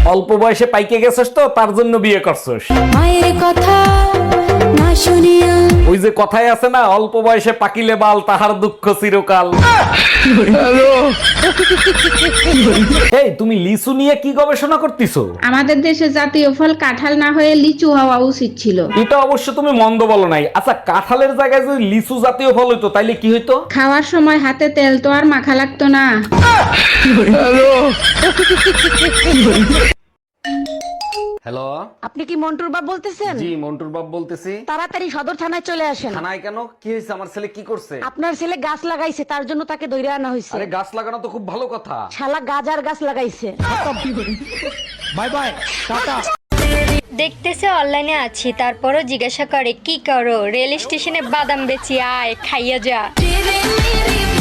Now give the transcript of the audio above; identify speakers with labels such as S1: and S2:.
S1: অল্প বয়সে পাইকে গেছিস তো তার জন্য বিয়ে করছিস।
S2: মায়ের কথা না শুনিয়া
S1: ওই যে কথায় আছে না, অল্প বয়সে পাকিলে বাল তাহার দুঃখ চিরকাল। এই তুমি লিচু নিয়ে কি গবেষণা করতেছো?
S3: আমাদের দেশে জাতীয় ফল কাঁঠাল না হয়ে লিচু হওয়া উচিত ছিল।
S1: এটা অবশ্য তুমি মন্দ বলো নাই। আচ্ছা, কাঁঠালের জায়গায় যদি লিচু জাতীয় ফল হইতো তাইলে কি হইতো?
S3: খাওয়ার সময় হাতে তেল তো আর মাখা লাগতো না।
S1: হ্যালো,
S4: আপনি কি মন্টুর বাপ বলতেছেন?
S1: জি মন্টুর বাপ বলতেছি।
S4: তাড়াতাড়ি সদর থানায় চলে আসেন।
S1: থানায় কেন? কি হয়েছে? আমার ছেলে কি করছে?
S4: আপনার ছেলে গাছ লাগাইছে, তার জন্য তাকে ধরে আনা হয়েছে।
S1: আরে গাছ লাগানো তো খুব ভালো কথা।
S4: শালা গাজার গাছ লাগাইছে।
S1: Bye bye, tata.
S5: দেখতেছে অনলাইনে আছি, তারপরও জিজ্ঞাসা করে কি করো, রেল স্টেশনে বাদাম বেচি, আয় খাইয়া যা।